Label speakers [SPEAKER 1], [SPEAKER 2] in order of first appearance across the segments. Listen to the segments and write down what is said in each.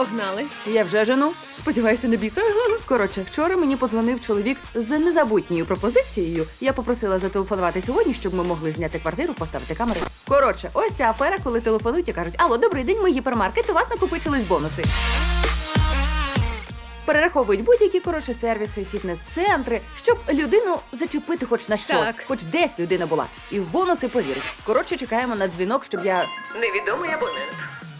[SPEAKER 1] Погнали.
[SPEAKER 2] Я вже жену. Сподіваюся, не біса. Коротше, вчора мені подзвонив чоловік з незабутньою пропозицією. Я попросила зателефонувати сьогодні, щоб ми могли зняти квартиру, поставити камери. Коротше, ось ця афера, коли телефонують і кажуть: алло, добрий день, ми гіпермаркет, у вас накопичились бонуси. Перераховують будь-які, сервіси, фітнес-центри, щоб людину зачепити хоч на щось,
[SPEAKER 1] Так.
[SPEAKER 2] хоч десь людина була. І в бонуси повірить. Коротше, чекаємо на дзвінок, щоб я...
[SPEAKER 3] Невідомий абонент.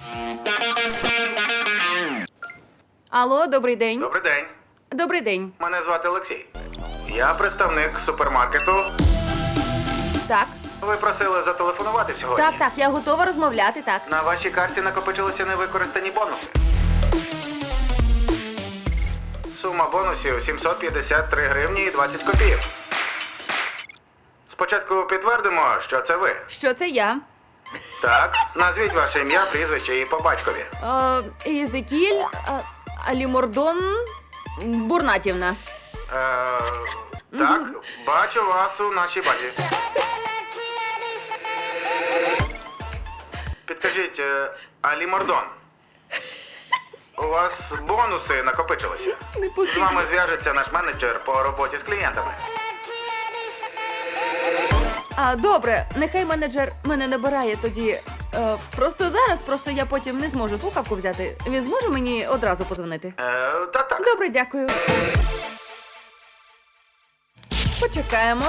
[SPEAKER 2] Алло, добрий день.
[SPEAKER 4] Добрий день.
[SPEAKER 2] Добрий день.
[SPEAKER 4] Мене звати Олексій. Я представник супермаркету.
[SPEAKER 2] Так.
[SPEAKER 4] Ви просили зателефонувати сьогодні.
[SPEAKER 2] Так, я готова розмовляти, так.
[SPEAKER 4] На вашій карті накопичилися невикористані бонуси. Сума бонусів 753 гривні і 20 копійок. Спочатку підтвердимо, що це ви.
[SPEAKER 2] Що це я?
[SPEAKER 4] Так, назвіть ваше ім'я, прізвище і по батькові.
[SPEAKER 2] Єзекіль, Алімордон, Бурнатівна.
[SPEAKER 4] Так, бачу вас у нашій базі. Підкажіть, Алі Мордон, у вас бонуси накопичилися? З вами зв'яжеться наш менеджер по роботі з клієнтами.
[SPEAKER 2] Добре, нехай менеджер мене набирає тоді. Просто я потім не зможу слухавку взяти. Він зможе мені одразу подзвонити?
[SPEAKER 4] Так.
[SPEAKER 2] Добре, дякую. Почекаємо.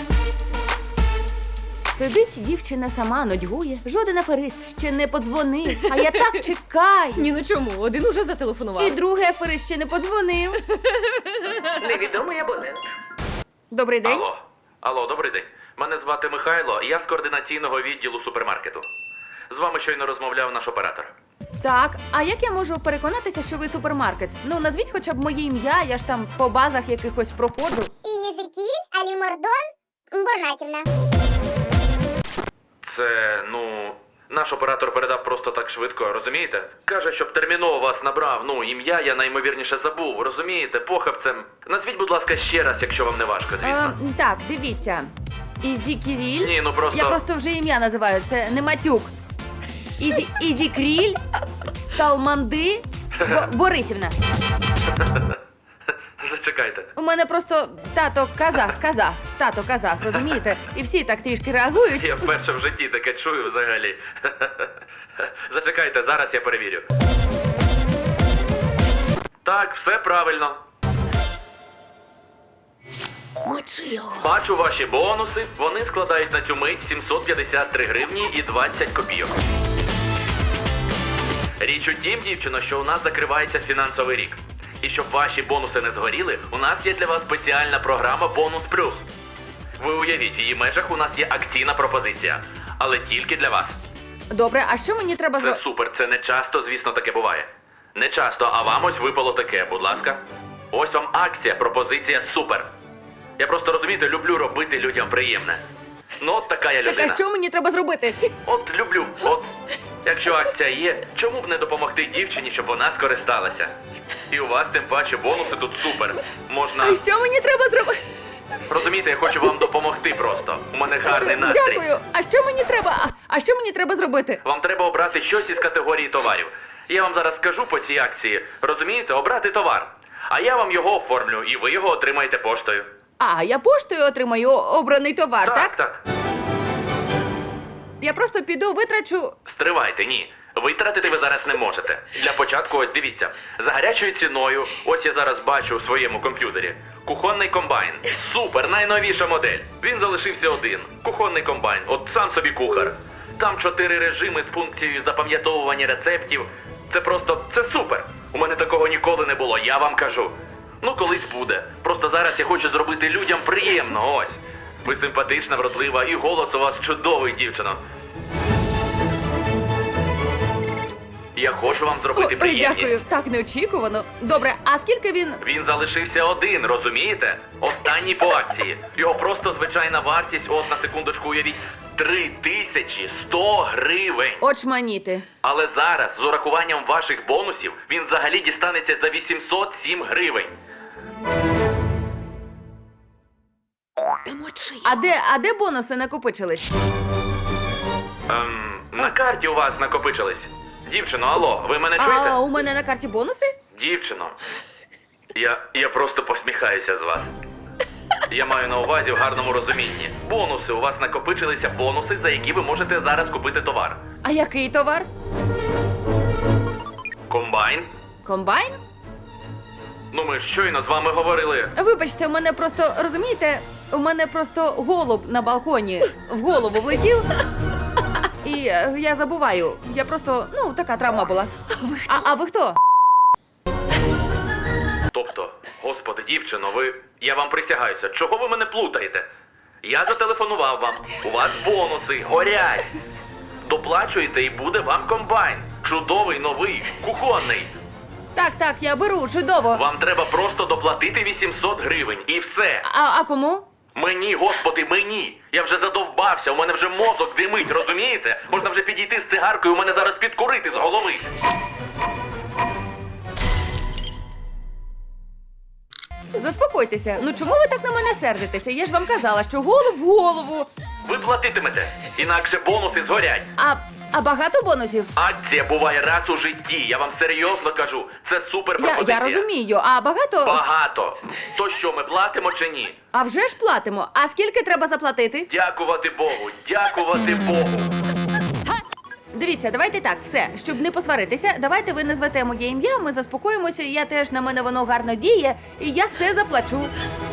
[SPEAKER 2] Сидить дівчина сама, нудьгує. Жоден аферист ще не подзвонив. А я так чекаю.
[SPEAKER 1] Ні, ну чому? Один уже зателефонував.
[SPEAKER 2] І другий аферист ще не подзвонив.
[SPEAKER 3] Невідомий абонент.
[SPEAKER 2] Добрий день.
[SPEAKER 5] Алло, добрий день. Мене звати Михайло, я з координаційного відділу супермаркету. З вами щойно розмовляв наш оператор.
[SPEAKER 2] Так, а як я можу переконатися, що ви супермаркет? Ну, назвіть хоча б моє ім'я, я ж там по базах якихось проходжу.
[SPEAKER 6] Єзекіль, Алімордон, Бурнатівна.
[SPEAKER 5] Це, наш оператор передав просто так швидко, розумієте? Каже, щоб терміново вас набрав, ім'я я найімовірніше забув, розумієте, похабцем. Назвіть, будь ласка, ще раз, якщо вам не важко, звісно.
[SPEAKER 2] Так, дивіться. Ізі Кіріль.
[SPEAKER 5] Ні, просто...
[SPEAKER 2] Я просто вже ім'я називаю, це не матюк. Ізі Кріль, Талманди, Борисівна.
[SPEAKER 5] Зачекайте.
[SPEAKER 2] У мене просто тато казах, розумієте? І всі так трішки реагують.
[SPEAKER 5] Я вперше в житті таке чую взагалі. Зачекайте, зараз я перевірю. Так, все правильно.
[SPEAKER 1] Мочи його.
[SPEAKER 5] Бачу ваші бонуси, вони складають на цю мить 753 гривні і 20 копійок. Річ у тім, дівчино, що у нас закривається фінансовий рік. І щоб ваші бонуси не згоріли, у нас є для вас спеціальна програма «Бонус Плюс». Ви уявіть, в її межах у нас є акційна пропозиція, але тільки для вас.
[SPEAKER 2] Добре, а що мені треба
[SPEAKER 5] Це
[SPEAKER 2] зробити?
[SPEAKER 5] супер, це не часто, звісно, таке буває. Не часто, а вам ось випало таке, будь ласка. Ось вам акція, пропозиція супер. Я просто, розумієте, люблю робити людям приємне. Ну, от така я
[SPEAKER 2] Так,
[SPEAKER 5] людина.
[SPEAKER 2] а що мені треба зробити?
[SPEAKER 5] От люблю, Якщо акція є, чому б не допомогти дівчині, щоб вона скористалася? І у вас тим паче бонуси тут супер. Можна...
[SPEAKER 2] А що мені треба зробити?
[SPEAKER 5] Розумієте, я хочу вам допомогти просто. У мене гарний настрій.
[SPEAKER 2] Дякую. А що мені треба? А що мені треба зробити?
[SPEAKER 5] Вам треба обрати щось із категорії товарів. Я вам зараз скажу по цій акції. Розумієте, обрати товар. А я вам його оформлю, і ви його отримаєте поштою.
[SPEAKER 2] А, я поштою отримаю обраний товар, так?
[SPEAKER 5] Так.
[SPEAKER 2] Я просто піду, витрачу...
[SPEAKER 5] Стривайте, ні. Витратити ви зараз не можете. Для початку, ось дивіться. За гарячою ціною, ось я зараз бачу у своєму комп'ютері. Кухонний комбайн. Супер, найновіша модель. Він залишився один. Кухонний комбайн. От сам собі кухар. Там 4 режими з функцією запам'ятовування рецептів. Це супер. У мене такого ніколи не було, я вам кажу. Колись буде. Просто зараз я хочу зробити людям приємно, ось. Ви симпатична, вродлива, і голос у вас чудовий, дівчино. Я хочу вам зробити приємність.
[SPEAKER 2] Дякую, так неочікувано. Добре, а скільки він...
[SPEAKER 5] Він залишився один, розумієте? Останній по акції. Його просто звичайна вартість, от на секундочку уявіть, 3100 гривень.
[SPEAKER 2] Очманіти.
[SPEAKER 5] Але зараз, з урахуванням ваших бонусів, він взагалі дістанеться за 807 гривень.
[SPEAKER 1] Та мочи його.
[SPEAKER 2] А де бонуси накопичились?
[SPEAKER 5] На карті у вас накопичились. Дівчино, алло, ви мене чуєте?
[SPEAKER 2] А у мене на карті бонуси?
[SPEAKER 5] Дівчино, я просто посміхаюся з вас. Я маю на увазі в гарному розумінні. Бонуси, у вас накопичилися бонуси, за які ви можете зараз купити товар.
[SPEAKER 2] А який товар?
[SPEAKER 5] Комбайн?
[SPEAKER 2] Комбайн?
[SPEAKER 5] Ну ми ж щойно з вами говорили.
[SPEAKER 2] Вибачте, у мене просто, розумієте, у мене просто голуб на балконі в голову влетів. І я забуваю. Я просто, ну, така травма була. А ви хто?
[SPEAKER 5] Тобто, господи, дівчино, я вам присягаюся, чого ви мене плутаєте? Я зателефонував вам, у вас бонуси горять. Доплачуєте і буде вам комбайн. Чудовий, новий, кухонний.
[SPEAKER 2] Так, я беру, чудово.
[SPEAKER 5] Вам треба просто доплатити 800 гривень і все.
[SPEAKER 2] А кому?
[SPEAKER 5] Мені, господи, мені! Я вже задовбався, у мене вже мозок димить, розумієте? Можна вже підійти з цигаркою, у мене зараз підкурити з голови.
[SPEAKER 2] Заспокойтеся. Ну чому ви так на мене сердитеся? Я ж вам казала, що голуб в голову.
[SPEAKER 5] Ви платитимете, інакше бонуси згорять.
[SPEAKER 2] А багато бонусів?
[SPEAKER 5] Акція буває раз у житті, я вам серйозно кажу. Це супер пропозиція.
[SPEAKER 2] Я розумію, а багато?
[SPEAKER 5] Багато. То що, ми платимо чи ні?
[SPEAKER 2] А вже ж платимо. А скільки треба заплатити?
[SPEAKER 5] Дякувати Богу, дякувати Богу.
[SPEAKER 2] Дивіться, давайте так, все, щоб не посваритися, давайте ви назвете моє ім'я, ми заспокоїмося, я теж, на мене воно гарно діє, і я все заплачу.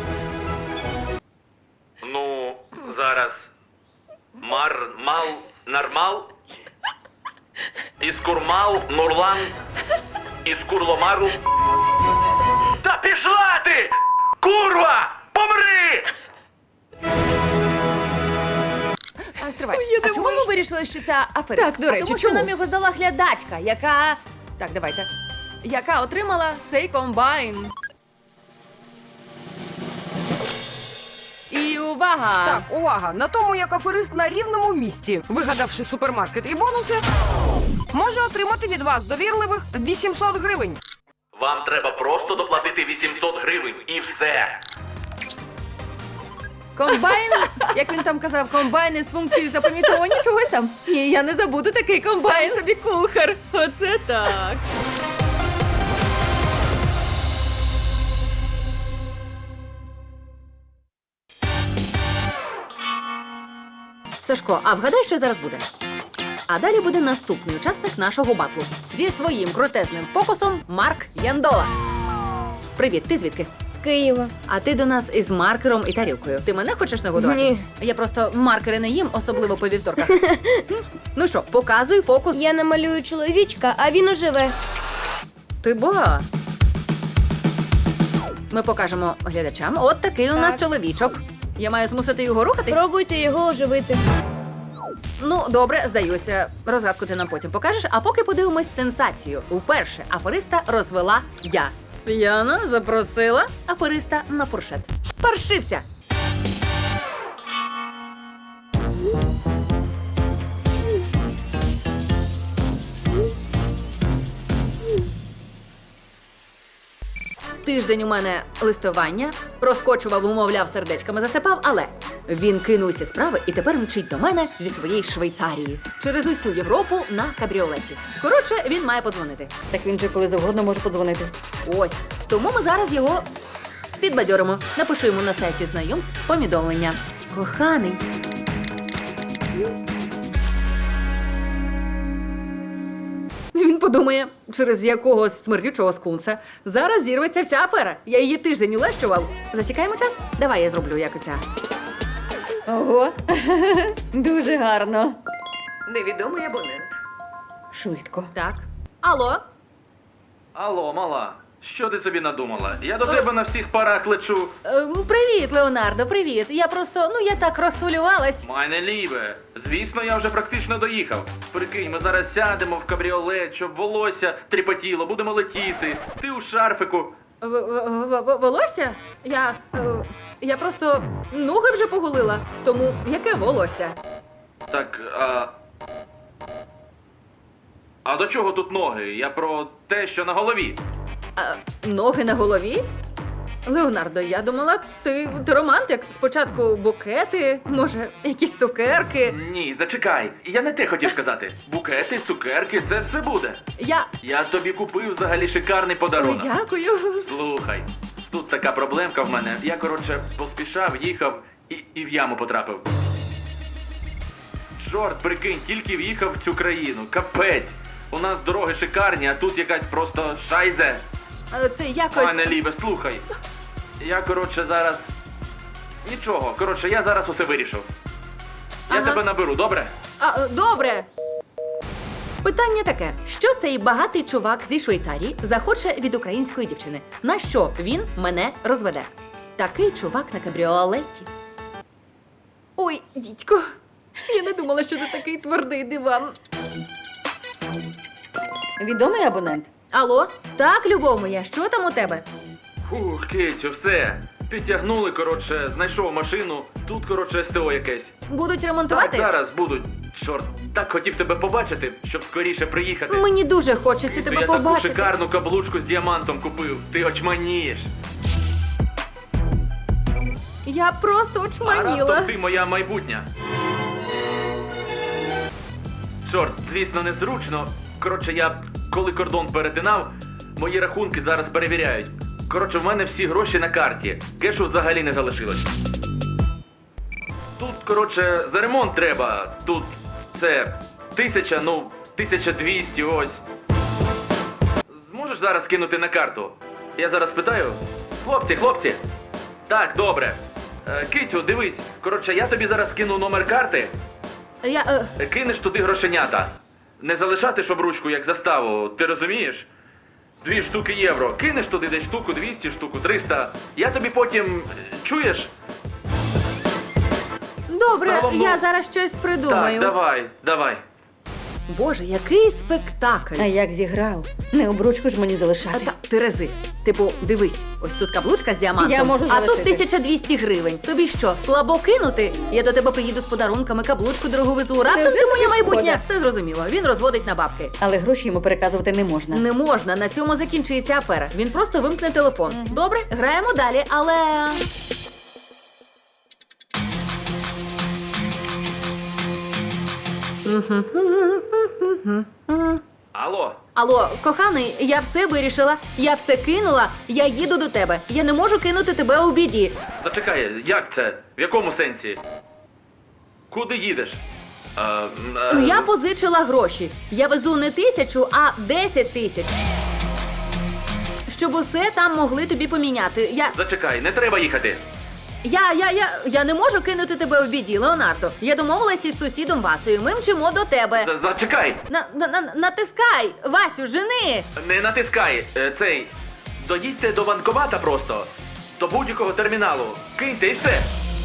[SPEAKER 5] Ну, зараз. Нармал. Іскурмал, Нурлан, Іскурломару. Та пішла ти! Курва! Помри!
[SPEAKER 2] А стривай, а чому ми вирішили, що це аферист?
[SPEAKER 1] Так, до речі,
[SPEAKER 2] Тому що
[SPEAKER 1] чому?
[SPEAKER 2] нам його здала глядачка, яка... Так, давайте. Яка отримала цей комбайн. І увага!
[SPEAKER 7] Так, увага! На тому, як аферист на рівному місці, вигадавши супермаркет і бонуси, може отримати від вас довірливих 800 гривень.
[SPEAKER 5] Вам треба просто доплатити 800 гривень і все.
[SPEAKER 2] Комбайн, як він там казав, комбайн із функцією запам'ятовування чогось там. Ні, я не забуду такий комбайн.
[SPEAKER 1] Сам собі кухар. Оце так.
[SPEAKER 2] Сашко, а вгадай, що зараз буде? А далі буде наступний учасник нашого батлу.
[SPEAKER 1] Зі своїм крутезним фокусом Марк Яндола.
[SPEAKER 2] Привіт, ти звідки?
[SPEAKER 8] З Києва.
[SPEAKER 2] А ти до нас із маркером і тарілкою. Ти мене хочеш нагодувати?
[SPEAKER 8] Ні.
[SPEAKER 1] Я просто маркери не їм, особливо по вівторках.
[SPEAKER 2] Ну що, показуй фокус.
[SPEAKER 8] Я намалюю чоловічка, а він оживе.
[SPEAKER 2] Ти ба. Ми покажемо глядачам. От такий у нас
[SPEAKER 8] Так.
[SPEAKER 2] чоловічок. Я маю змусити його рухатись?
[SPEAKER 8] Пробуйте його оживити.
[SPEAKER 2] Ну, добре, здаюся. Розгадку ти нам потім покажеш, а поки подивимось сенсацію. Вперше афериста розвела я. Яна запросила афериста на фуршет. Паршивця! Тиждень у мене листування, розкочував, умовляв, сердечками засипав, але він кинувся з справи і тепер мчить до мене зі своєї Швейцарії через усю Європу на кабріолеті. Коротше, він має подзвонити.
[SPEAKER 1] Так він же коли завгодно може подзвонити.
[SPEAKER 2] Ось. Тому ми зараз його підбадьоримо. Напишу йому на сайті знайомств повідомлення. Коханий. Він подумає, через якогось смердючого скунса зараз зірветься вся афера. Я її тиждень улещував. Засікаємо час? Давай я зроблю, як оця.
[SPEAKER 1] Ого, дуже гарно.
[SPEAKER 3] Невідомий абонент.
[SPEAKER 1] Швидко.
[SPEAKER 2] Так. Алло?
[SPEAKER 5] Алло, мала, що ти собі надумала? Я до тебе на всіх парах лечу.
[SPEAKER 2] Привіт, Леонардо, привіт. Я просто, я так розхвилювалась.
[SPEAKER 5] Майне ліве. Звісно, я вже практично доїхав. Прикинь, ми зараз сядемо в кабріолет, щоб волосся тріпотіло, будемо летіти. Ти у шарфику.
[SPEAKER 2] Волосся? Я просто ноги вже погулила. Тому яке волосся?
[SPEAKER 5] Так, а до чого тут ноги? Я про те, що на голові.
[SPEAKER 2] Ноги на голові?
[SPEAKER 1] Леонардо, я думала, ти романтик. Спочатку букети, може, якісь цукерки.
[SPEAKER 5] Ні, зачекай. Я не те хотів сказати. Букети, цукерки, це все буде. Я тобі купив взагалі шикарний
[SPEAKER 1] Ой,
[SPEAKER 5] подарунок.
[SPEAKER 1] дякую.
[SPEAKER 5] Слухай, тут така проблемка в мене. Я, коротше, поспішав, їхав і в яму потрапив. Чорт, прикинь, тільки в'їхав в цю країну. Капець. У нас дороги шикарні, а тут якась просто шайзе.
[SPEAKER 1] Це якось...
[SPEAKER 5] Пане Ліве, слухай. Я, коротше, зараз... Нічого, коротше, я зараз усе вирішив. Я
[SPEAKER 1] Ага.
[SPEAKER 5] тебе наберу, добре?
[SPEAKER 1] Добре. Питання таке: що цей багатий чувак зі Швейцарії захоче від української дівчини? На що він мене розведе? Такий чувак на кабріолеті. Ой, дідько, я не думала, що ти такий твердий диван.
[SPEAKER 2] Відомий абонент.
[SPEAKER 1] Алло? Так, любов моя, що там у тебе?
[SPEAKER 5] Фух, Китю, все. Підтягнули, коротше, знайшов машину. Тут, коротше, СТО якесь.
[SPEAKER 1] Будуть
[SPEAKER 5] Так,
[SPEAKER 1] ремонтувати?
[SPEAKER 5] зараз будуть. Чорт, так хотів тебе побачити, щоб скоріше приїхати.
[SPEAKER 1] Мені дуже хочеться
[SPEAKER 5] Китю,
[SPEAKER 1] тебе
[SPEAKER 5] я таку
[SPEAKER 1] побачити.
[SPEAKER 5] шикарну каблучку з діамантом купив. Ти очманієш.
[SPEAKER 1] Я просто
[SPEAKER 5] А
[SPEAKER 1] очманіла.
[SPEAKER 5] раптом ти моя майбутня. Чорт, звісно, незручно. Коротше, я коли кордон перетинав, мої рахунки зараз перевіряють. Коротше, в мене всі гроші на карті. Кешу взагалі не залишилось. Тут, коротше, за ремонт треба. Тут це 1000, 1200, ось. Зможеш зараз кинути на карту? Я зараз питаю. Хлопці. Так, добре. Китю, дивись. Коротше, я тобі зараз кину номер карти. Кинеш туди грошенята. Не залишати, щоб ручку як заставу, ти розумієш? 2 штуки євро. Кинеш туди десь штуку 200, штуку 300. Я тобі потім... Чуєш?
[SPEAKER 1] Добре,
[SPEAKER 5] Загалом,
[SPEAKER 1] я зараз щось придумаю.
[SPEAKER 5] Так, давай.
[SPEAKER 1] Боже, який спектакль.
[SPEAKER 2] А як зіграв? Не обручку ж мені залишати.
[SPEAKER 1] Та, Терези, типу, дивись, ось тут каблучка з діамантом,
[SPEAKER 2] Я можу
[SPEAKER 1] а тут
[SPEAKER 2] залишити.
[SPEAKER 1] 1200 гривень. Тобі що, слабо кинути? Я до тебе приїду з подарунками, каблучку дорогу везу. Раптом
[SPEAKER 2] Невже
[SPEAKER 1] ти моя
[SPEAKER 2] тобі
[SPEAKER 1] майбутня.
[SPEAKER 2] шкода?
[SPEAKER 1] Все зрозуміло, він розводить на бабки.
[SPEAKER 2] Але гроші йому переказувати не можна.
[SPEAKER 1] Не можна, на цьому закінчиться афера. Він просто вимкне телефон. Добре, граємо далі, але... Алло, коханий, я все вирішила, я все кинула, я їду до тебе. Я не можу кинути тебе у біді.
[SPEAKER 5] Зачекай, як це? В якому сенсі? Куди їдеш?
[SPEAKER 1] Я позичила гроші. Я везу не 1000, а 10 000. Щоб усе там могли тобі поміняти.
[SPEAKER 5] Зачекай, не треба їхати.
[SPEAKER 1] Я не можу кинути тебе в біді, Леонардо. Я домовилась із сусідом Васею. Ми мчимо до тебе.
[SPEAKER 5] Зачекай!
[SPEAKER 1] Натискай! Васю, жени!
[SPEAKER 5] Не натискай, цей. Доїдьте до банкомата просто. До будь-якого терміналу. Киньте і все.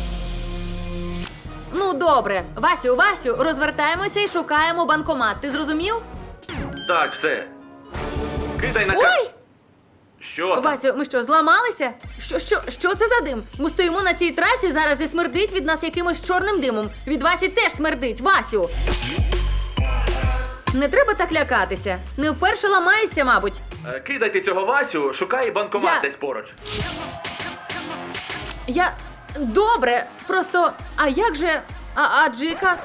[SPEAKER 1] Ну, добре. Васю, розвертаємося і шукаємо банкомат. Ти зрозумів?
[SPEAKER 5] Так, все. Кидай на
[SPEAKER 1] Ой!
[SPEAKER 5] Що там?
[SPEAKER 1] Васю, ми що, зламалися? Що це за дим? Ми стоїмо на цій трасі зараз і смердить від нас якимось чорним димом. Від Васі теж смердить. Васю! Не треба так лякатися. Не вперше ламаєшся, мабуть.
[SPEAKER 5] Кидайте цього Васю, шукай банкомат
[SPEAKER 1] Я-
[SPEAKER 5] десь поруч.
[SPEAKER 1] Добре, просто... А як же... А Джика?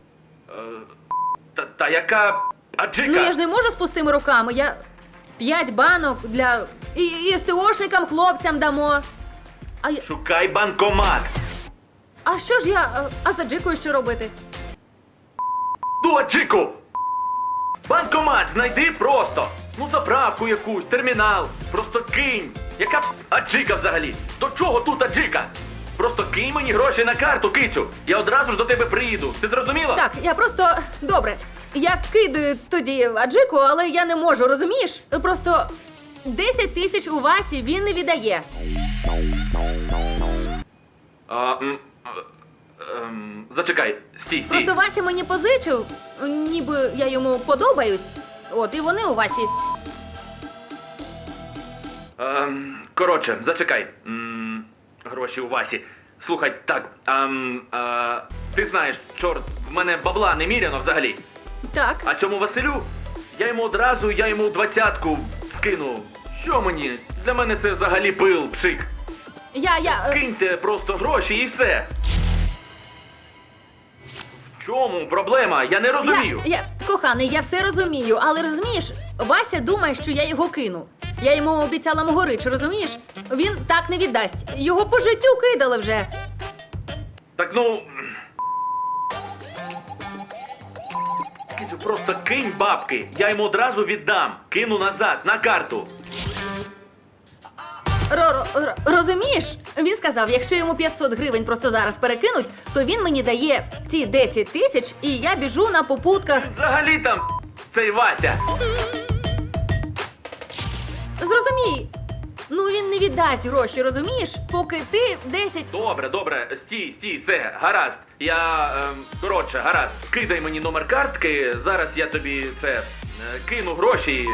[SPEAKER 5] Та яка аджика?
[SPEAKER 1] Ну я ж не можу з пустими руками. 5 банок для... І СТОшникам, хлопцям дамо.
[SPEAKER 5] Шукай банкомат.
[SPEAKER 1] А що ж а за Джикою що робити?
[SPEAKER 5] Ну, аджику! Банкомат знайди просто. Ну, заправку якусь, термінал. Просто кинь. Яка аджика взагалі? До чого тут аджика? Просто кинь мені гроші на карту, кицю. Я одразу ж до тебе приїду. Ти зрозуміла?
[SPEAKER 1] Так, я просто... Добре. Я кидаю тоді Аджику, але я не можу, розумієш? Просто 10 000 у Васі він не віддає.
[SPEAKER 5] Зачекай, стій.
[SPEAKER 1] Просто Вася мені позичив, ніби я йому подобаюсь. От, і вони у Васі.
[SPEAKER 5] Коротше, зачекай. Гроші у Васі. Слухай, так, ти знаєш, чорт, в мене бабла неміряно взагалі.
[SPEAKER 1] Так.
[SPEAKER 5] А цьому Василю, я йому 20-ку скину. Що мені? Для мене це взагалі пил, пшик. Киньте просто гроші і все. В чому проблема? Я не розумію.
[SPEAKER 1] Коханий, я все розумію, але розумієш, Вася думає, що я його кину. Я йому обіцяла Могорич, розумієш? Він так не віддасть. Його по життю кидали вже.
[SPEAKER 5] Так ну. Просто кинь бабки. Я йому одразу віддам. Кину назад, на карту.
[SPEAKER 1] Розумієш? Він сказав, якщо йому 500 гривень просто зараз перекинуть, то він мені дає ці 10 тисяч, і я біжу на попутках.
[SPEAKER 5] Взагалі там цей Вася.
[SPEAKER 1] Зрозумій. Ну він не віддасть гроші, розумієш? Поки ти 10...
[SPEAKER 5] Добре, стій, все, гаразд. Коротше, гаразд. Кидай мені номер картки, зараз я тобі кину гроші.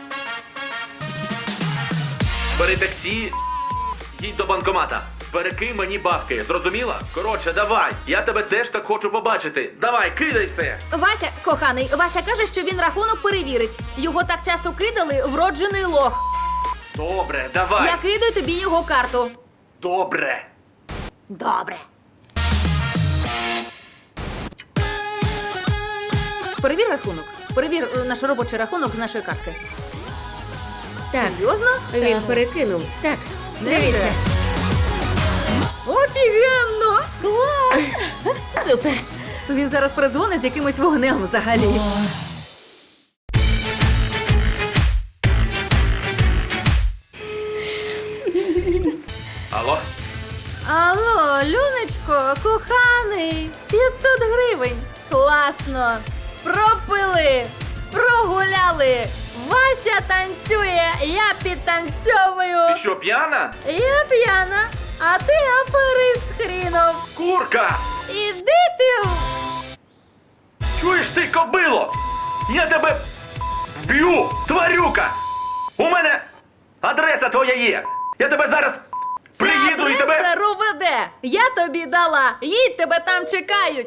[SPEAKER 5] Бери таксі, їдь до банкомата. Перекинь мені бабки, зрозуміла? Коротше, давай, я тебе теж так хочу побачити. Давай, кидай все.
[SPEAKER 1] Вася, коханий, Вася каже, що він рахунок перевірить. Його так часто кидали, вроджений лох.
[SPEAKER 5] Добре, давай.
[SPEAKER 1] Я кидаю тобі його карту.
[SPEAKER 5] Добре.
[SPEAKER 1] Добре. Перевір рахунок. Перевір наш робочий рахунок з нашої картки.
[SPEAKER 9] Так,
[SPEAKER 1] Серйозно?
[SPEAKER 9] він перекинув. Так, дивіться.
[SPEAKER 1] Офігенно!
[SPEAKER 9] Клас! Супер!
[SPEAKER 1] Він зараз передзвонить з якимось вогнем взагалі.
[SPEAKER 5] Алло?
[SPEAKER 1] Алло, Люнечко, коханий, 500 гривень. Класно. Пропили, прогуляли. Вася танцює, я підтанцьовую.
[SPEAKER 5] Ти що, п'яна?
[SPEAKER 1] Я п'яна, а ти аферист хрінов.
[SPEAKER 5] Курка!
[SPEAKER 1] Іди ти.
[SPEAKER 5] Чуєш ти, кобило? Я тебе вб'ю, тварюка! У мене адреса твоя є. Я тебе зараз
[SPEAKER 1] Ця
[SPEAKER 5] приїду і тебе...
[SPEAKER 1] адреса РОВД. Я тобі дала. Їдь, тебе там чекають.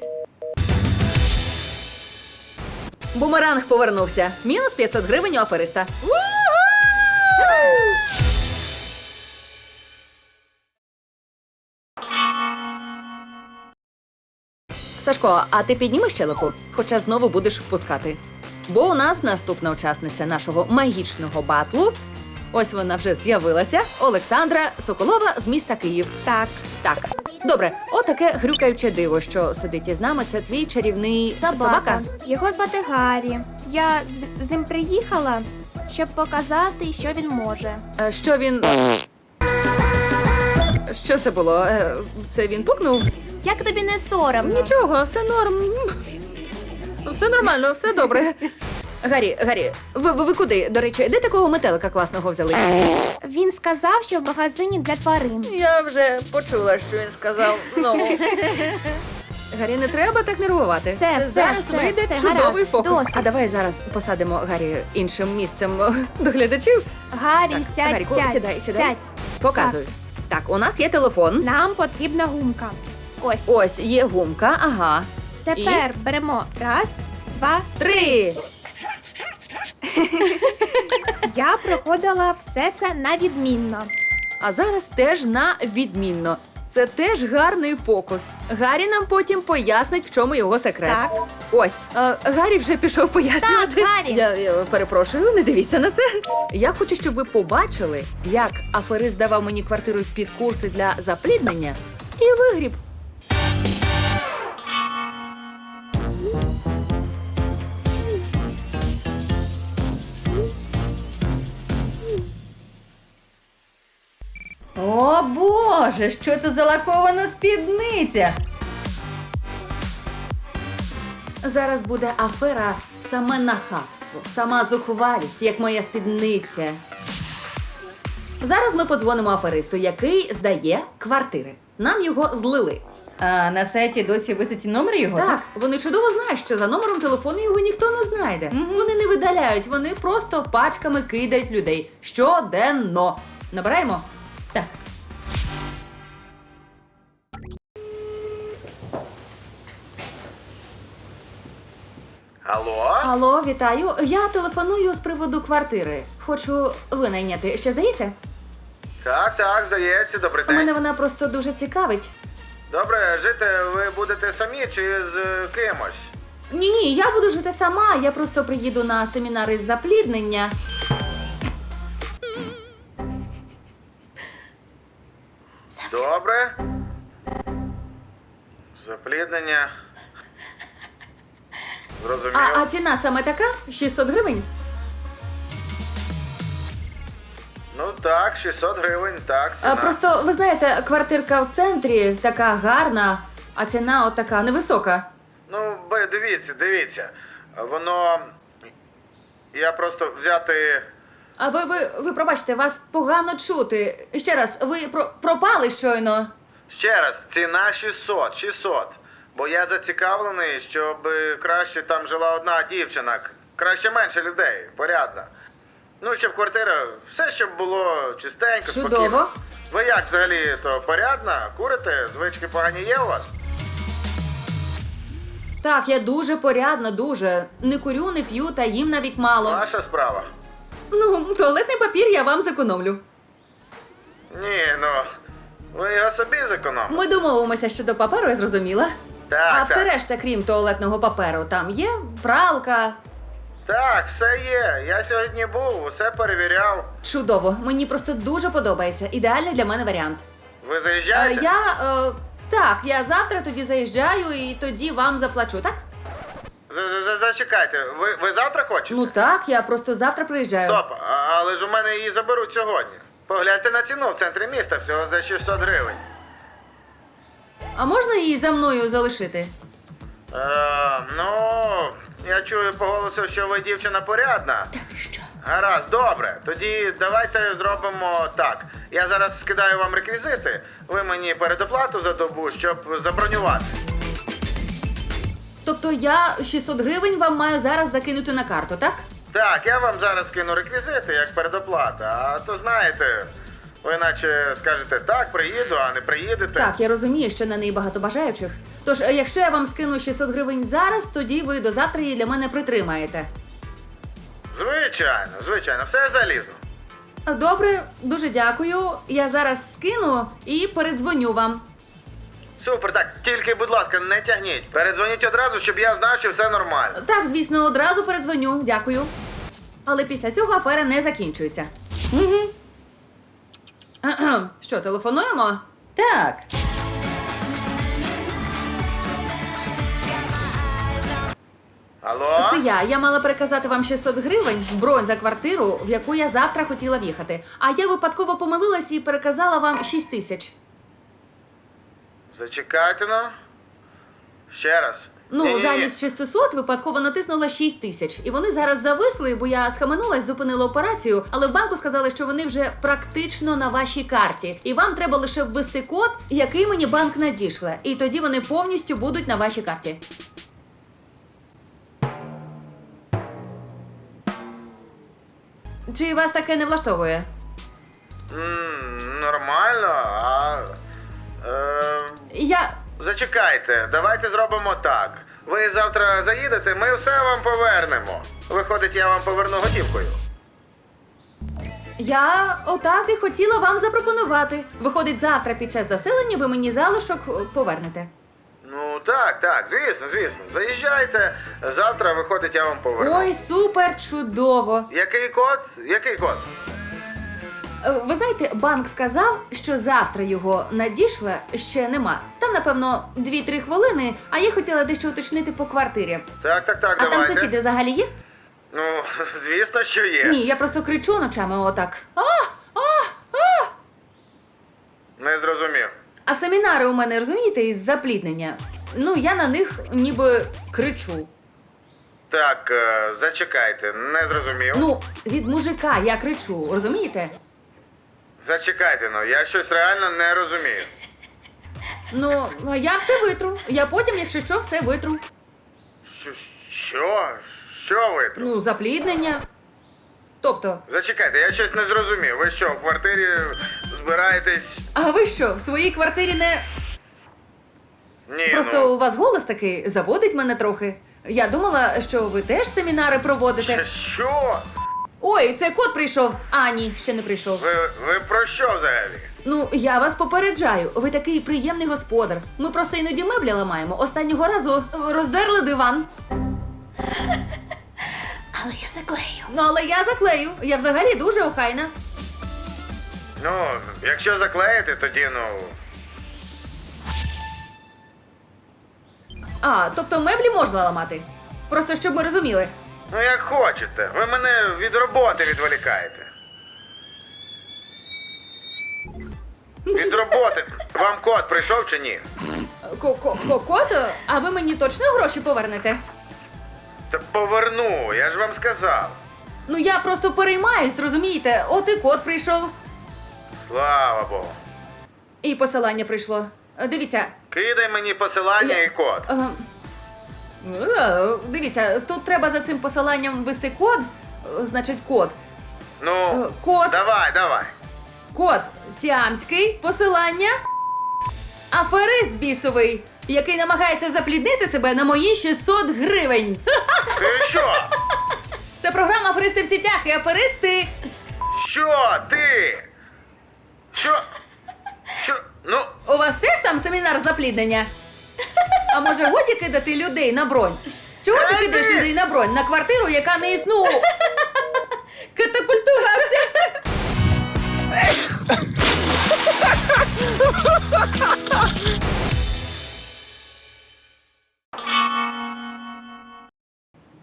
[SPEAKER 1] Бумеранг повернувся. Мінус 500 гривень у афериста. Сашко, а ти піднімеш щелепу? Хоча знову будеш впускати. Бо у нас наступна учасниця нашого магічного батлу. Ось вона вже з'явилася. Олександра Соколова з міста Київ. Так. Добре, отаке грюкаюче диво, що сидить із нами. Це твій чарівний собака?
[SPEAKER 10] Його звати Гаррі. Я з ним приїхала, щоб показати, що він може.
[SPEAKER 1] Що він. Що це було? Це він пукнув?
[SPEAKER 10] Як тобі не соромно?
[SPEAKER 1] Нічого, все норм. Все нормально, все добре. Гаррі, ви куди? До речі, де такого метелика класного взяли?
[SPEAKER 10] Він сказав, що в магазині для тварин.
[SPEAKER 1] Я вже почула, що він сказав знову. Гаррі, не треба так нервувати.
[SPEAKER 10] Все,
[SPEAKER 1] зараз вийде чудовий
[SPEAKER 10] гаразд,
[SPEAKER 1] фокус.
[SPEAKER 10] досить.
[SPEAKER 1] А давай зараз посадимо Гаррі іншим місцем до глядачів.
[SPEAKER 10] Гаррі,
[SPEAKER 1] Так,
[SPEAKER 10] сядь,
[SPEAKER 1] Гарріку,
[SPEAKER 10] сядь.
[SPEAKER 1] сідай.
[SPEAKER 10] Сядь.
[SPEAKER 1] Показуй. Так, у нас є телефон.
[SPEAKER 10] Нам потрібна гумка. Ось.
[SPEAKER 1] Ось є гумка, ага.
[SPEAKER 10] Тепер беремо 1, 2,
[SPEAKER 1] 3.
[SPEAKER 10] Я проходила все це на відмінно.
[SPEAKER 1] А зараз теж на відмінно. Це теж гарний фокус. Гаррі нам потім пояснить, в чому його секрет.
[SPEAKER 10] Так.
[SPEAKER 1] Ось, Гаррі вже пішов пояснювати.
[SPEAKER 10] Так, Гаррі.
[SPEAKER 1] Я перепрошую, не дивіться на це. Я хочу, щоб ви побачили, як аферист давав мені квартиру під курси для запліднення і вигріб. О Боже, що це за лакована спідниця? Зараз буде афера саме нахабство, сама зухвалість, як моя спідниця. Зараз ми подзвонимо аферисту, який здає квартири. Нам його злили.
[SPEAKER 2] А на сайті досі висить номер його?
[SPEAKER 1] Так, вони чудово знають, що за номером телефону його ніхто не знайде. Вони не видаляють, вони просто пачками кидають людей. Щоденно. Набираємо?
[SPEAKER 2] Так.
[SPEAKER 5] Алло?
[SPEAKER 1] Алло, вітаю. Я телефоную з приводу квартири. Хочу винайняти. Ще здається?
[SPEAKER 4] Так, здається, добрий день.
[SPEAKER 1] Мене вона просто дуже цікавить.
[SPEAKER 4] Добре, жити ви будете самі чи з кимось?
[SPEAKER 1] Ні, я буду жити сама. Я просто приїду на семінари з запліднення.
[SPEAKER 4] Добре. Запліднення. Зрозумів.
[SPEAKER 1] А ціна саме така? 600 гривень?
[SPEAKER 4] Ну так, 600 гривень, так, ціна.
[SPEAKER 1] Просто, ви знаєте, квартирка в центрі така гарна, а ціна от така невисока.
[SPEAKER 4] Ну, дивіться. Воно... Я просто взяти...
[SPEAKER 1] А ви пробачте, вас погано чути. Ще раз, ви пропали щойно.
[SPEAKER 4] Ще раз, ціна 600. Бо я зацікавлений, щоб краще там жила одна дівчина. Краще менше людей, порядно. Ну, щоб квартира, все, щоб було чистенько, спокійно.
[SPEAKER 1] Чудово.
[SPEAKER 4] Ви як взагалі, то порядна? Курите? Звички погані є у вас?
[SPEAKER 1] Так, я дуже порядна, дуже. Не курю, не п'ю та їм навіть мало.
[SPEAKER 4] Ваша справа.
[SPEAKER 1] Ну, туалетний папір я вам зекономлю.
[SPEAKER 4] Ні, ну, ви його собі зекономите.
[SPEAKER 1] Ми домовимося щодо паперу, я зрозуміла.
[SPEAKER 4] Так,
[SPEAKER 1] А все
[SPEAKER 4] так.
[SPEAKER 1] решта, крім туалетного паперу, там є пралка.
[SPEAKER 4] Так, все є. Я сьогодні був, усе перевіряв.
[SPEAKER 1] Чудово, мені просто дуже подобається. Ідеальний для мене варіант.
[SPEAKER 4] Ви заїжджаєте?
[SPEAKER 1] Так, я завтра тоді заїжджаю і тоді вам заплачу, так?
[SPEAKER 4] Зачекайте, ви завтра хочете?
[SPEAKER 1] Ну так, я просто завтра приїжджаю.
[SPEAKER 4] Стоп, але ж у мене її заберуть сьогодні. Погляньте на ціну в центрі міста, всього за 600 гривень.
[SPEAKER 1] А можна її за мною залишити?
[SPEAKER 4] Ну, я чую по голосу, що ви дівчина порядна.
[SPEAKER 1] Та ти що?
[SPEAKER 4] Гаразд, добре. Тоді давайте зробимо так. Я зараз скидаю вам реквізити, ви мені передоплату за добу, щоб забронювати.
[SPEAKER 1] Тобто я 600 гривень вам маю зараз закинути на карту, так?
[SPEAKER 4] Так, я вам зараз скину реквізити як передоплата, а то знаєте, ви наче скажете так, приїду, а не приїдете.
[SPEAKER 1] Так, я розумію, що на неї багато бажаючих. Тож, якщо я вам скину 600 гривень зараз, тоді ви до завтра її для мене притримаєте.
[SPEAKER 4] Звичайно, все залізно.
[SPEAKER 1] Добре, дуже дякую. Я зараз скину і передзвоню вам.
[SPEAKER 4] Супер, так, тільки, будь ласка, не тягніть. Передзвоніть одразу, щоб я знав, що все нормально.
[SPEAKER 1] Так, звісно, одразу передзвоню. Дякую. Але після цього афера не закінчується. Угу. Що, телефонуємо? Так.
[SPEAKER 4] Алло?
[SPEAKER 1] Це я. Я мала переказати вам 600 гривень, бронь за квартиру, в яку я завтра хотіла в'їхати. А я випадково помилилась і переказала вам 6 тисяч.
[SPEAKER 4] Зачекайте, ну. Ще раз.
[SPEAKER 1] Ну,
[SPEAKER 4] Ні-ні-ні.
[SPEAKER 1] замість 600 випадково натиснула 6 тисяч. І вони зараз зависли, бо я схаменулась, зупинила операцію, але в банку сказали, що вони вже практично на вашій карті. І вам треба лише ввести код, який мені банк надішле. І тоді вони повністю будуть на вашій карті. Чи вас таке не влаштовує?
[SPEAKER 4] Нормально,
[SPEAKER 1] Я...
[SPEAKER 4] Зачекайте, давайте зробимо так. Ви завтра заїдете, ми все вам повернемо. Виходить, я вам поверну готівкою.
[SPEAKER 1] Я отак і хотіла вам запропонувати. Виходить, завтра під час заселення ви мені залишок повернете.
[SPEAKER 4] Ну так, звісно. Заїжджайте, завтра, виходить, я вам поверну.
[SPEAKER 1] Ой, супер, чудово.
[SPEAKER 4] Який код? Який код?
[SPEAKER 1] Ви знаєте, банк сказав, що завтра його надішле ще нема. Там, напевно, 2-3 хвилини, а я хотіла дещо уточнити по квартирі.
[SPEAKER 4] Так,
[SPEAKER 1] А
[SPEAKER 4] давайте.
[SPEAKER 1] там сусіди взагалі є?
[SPEAKER 4] Ну, звісно, що є.
[SPEAKER 1] Ні, я просто кричу ночами отак.
[SPEAKER 4] Не зрозумів.
[SPEAKER 1] А семінари у мене, розумієте, із запліднення. Ну, я на них ніби кричу.
[SPEAKER 4] Так, зачекайте, не зрозумів.
[SPEAKER 1] Ну, від мужика я кричу, розумієте?
[SPEAKER 4] Зачекайте, я щось реально не розумію.
[SPEAKER 1] Ну, я все витру. Я потім, якщо що, все витру.
[SPEAKER 4] Що? Що ви тут?
[SPEAKER 1] Ну, запліднення. Тобто,
[SPEAKER 4] Зачекайте, я щось не зрозумів. Ви що, в квартирі збираєтесь?
[SPEAKER 1] а ви що, в своїй квартирі не...
[SPEAKER 4] Ні,
[SPEAKER 1] Просто у вас голос такий заводить мене трохи. Я думала, що ви теж семінари проводите.
[SPEAKER 4] Що?
[SPEAKER 1] Ой, це кот прийшов. А, ні, ще не прийшов.
[SPEAKER 4] Ви про що взагалі?
[SPEAKER 1] Ну, я вас попереджаю, ви такий приємний господар. Ми просто іноді меблі ламаємо. Останнього разу роздерли диван.
[SPEAKER 9] Але я заклею.
[SPEAKER 1] Ну, але я заклею. Я взагалі дуже охайна.
[SPEAKER 4] Ну, якщо заклеїти, тоді, ну.
[SPEAKER 1] А, тобто меблі можна ламати. Просто щоб ми розуміли.
[SPEAKER 4] Ну, як хочете. Ви мене від роботи відволікаєте. Від роботи. Вам код прийшов чи ні?
[SPEAKER 1] Кот? А ви мені точно гроші повернете?
[SPEAKER 4] Та поверну, я ж вам сказав.
[SPEAKER 1] Ну, я просто переймаюсь, розумієте? От і кот прийшов.
[SPEAKER 4] Слава Богу.
[SPEAKER 1] І посилання прийшло. Дивіться.
[SPEAKER 4] Кидай мені посилання і код.
[SPEAKER 1] Дивіться, тут треба за цим посиланням ввести код. Значить, код.
[SPEAKER 4] Ну,
[SPEAKER 1] Код.
[SPEAKER 4] давай.
[SPEAKER 1] Код сіамський, посилання. Аферист бісовий, який намагається запліднити себе на мої 600 гривень.
[SPEAKER 4] Ти що?
[SPEAKER 1] Це програма «Аферисти в сітях» і аферисти.
[SPEAKER 4] Що ти? Що? Ну,
[SPEAKER 1] У вас теж там семінар запліднення? А може годі кидати людей на бронь? Чого ти кидаєш людей на бронь? На квартиру, яка не існує? Катапультувався.